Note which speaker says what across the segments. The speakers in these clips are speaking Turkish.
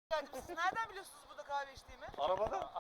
Speaker 1: geldiniz. Siz nereden biliyorsunuz burada kahve içtiğimi?
Speaker 2: Arabada.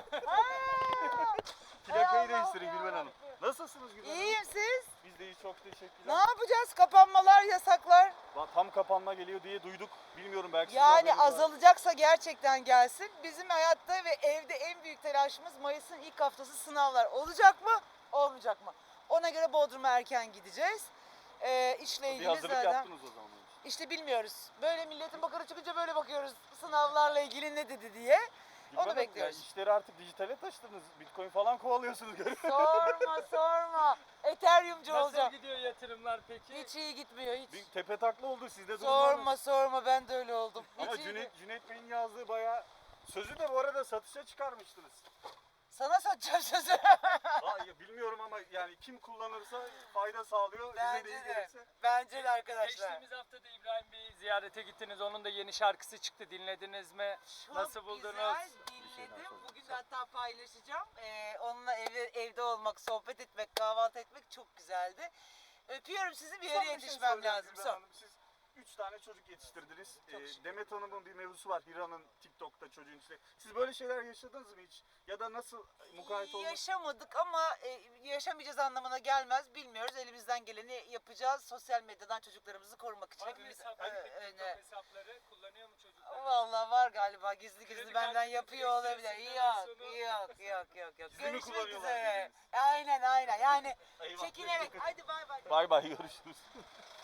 Speaker 1: Ey
Speaker 2: Plakayı
Speaker 1: Allah'ım
Speaker 2: değiştirin
Speaker 1: ya
Speaker 2: Gülben Hanım.
Speaker 1: Rabbim.
Speaker 2: Nasılsınız Gülben Hanım?
Speaker 1: İyiyim siz?
Speaker 2: Biz de iyi, çok
Speaker 1: Ne
Speaker 2: teşekkürler.
Speaker 1: yapacağız? Kapanmalar, yasaklar.
Speaker 2: Tam kapanma geliyor diye duyduk. Bilmiyorum, belki sizin
Speaker 1: Yani
Speaker 2: haberiniz var.
Speaker 1: azalacaksa gerçekten gelsin. Bizim hayatta ve evde en büyük telaşımız Mayıs'ın ilk haftası sınavlar. Olacak mı? Olmayacak mı? Ona göre Bodrum'a erken gideceğiz. İşle
Speaker 2: Bir
Speaker 1: ilgili
Speaker 2: hazırlık
Speaker 1: zaten.
Speaker 2: yaptınız o zaman.
Speaker 1: İşte bilmiyoruz. Böyle milletin bakarı çıkınca böyle bakıyoruz. Sınavlarla ilgili ne dedi diye.
Speaker 2: Gülben Hanım,
Speaker 1: bekliyoruz.
Speaker 2: Ya işleri artık dijitale taşıdınız. Bitcoin falan kovalıyorsunuz görüyorum.
Speaker 1: Sorma. Ethereum'cu
Speaker 3: Nasıl
Speaker 1: olacağım.
Speaker 3: gidiyor yatırımlar peki?
Speaker 1: Hiç iyi gitmiyor hiç.
Speaker 2: Bir tepe takla oldu sizde, durum var mı?
Speaker 1: Sorma ben de öyle oldum.
Speaker 2: Ama
Speaker 1: Hiç iyi
Speaker 2: Cüneyt Bey'in yazdığı bayağı, sözü de bu arada satışa çıkarmıştınız.
Speaker 1: Sana satacağım sözü.
Speaker 2: Bilmiyorum ama yani kim kullanırsa fayda sağlıyor. Bize de
Speaker 1: Bence
Speaker 2: iyi
Speaker 1: de.
Speaker 2: gelirse.
Speaker 1: Bence de arkadaşlar.
Speaker 3: Geçtiğimiz hafta da İbrahim Bey'i ziyarete gittiniz. Onun da yeni şarkısı çıktı. Dinlediniz mi? Nasıl buldunuz?
Speaker 1: Güzel dinledim. Bugün de hatta paylaşacağım. Onunla evde olmak, sohbet etmek, kahvaltı etmek çok güzeldi. Öpüyorum sizi, bir
Speaker 2: Son
Speaker 1: yere
Speaker 2: bir şey
Speaker 1: yetişmem
Speaker 2: söyleyeceğim
Speaker 1: lazım.
Speaker 2: Gülben
Speaker 1: Son.
Speaker 2: Hanım. Siz 3 tane çocuk yetiştirdiniz.
Speaker 1: şükür.
Speaker 2: Demet Hanım'ın bir mevzusu var. Hira'nın TikTok'ta çocuğun işte. Siz böyle şeyler yaşadınız mı hiç? Ya da nasıl mukayyet oldunuz?
Speaker 1: Yaşamadık ama yaşamayacağız anlamına gelmez. Bilmiyoruz. Elimizden geleni yapacağız. Sosyal medyadan çocuklarımızı korumak için.
Speaker 3: Var mı
Speaker 1: Hepimiz
Speaker 3: hesapları,
Speaker 1: öne.
Speaker 3: TikTok hesapları? Kullanıyor mu çocuklar?
Speaker 1: Vallahi var galiba, gizli
Speaker 3: Kredi
Speaker 1: benden
Speaker 3: kartı
Speaker 1: yapıyor olabilir.
Speaker 3: ekstrasından
Speaker 1: Yok.
Speaker 2: Gizli mi
Speaker 1: Görüşmek
Speaker 2: kullanıyorlar
Speaker 1: üzere.
Speaker 2: dediniz?
Speaker 1: Aynen. Yani
Speaker 2: Eyvah.
Speaker 1: çekinerek. Hadi bay bay.
Speaker 2: Bay bay, görüşürüz.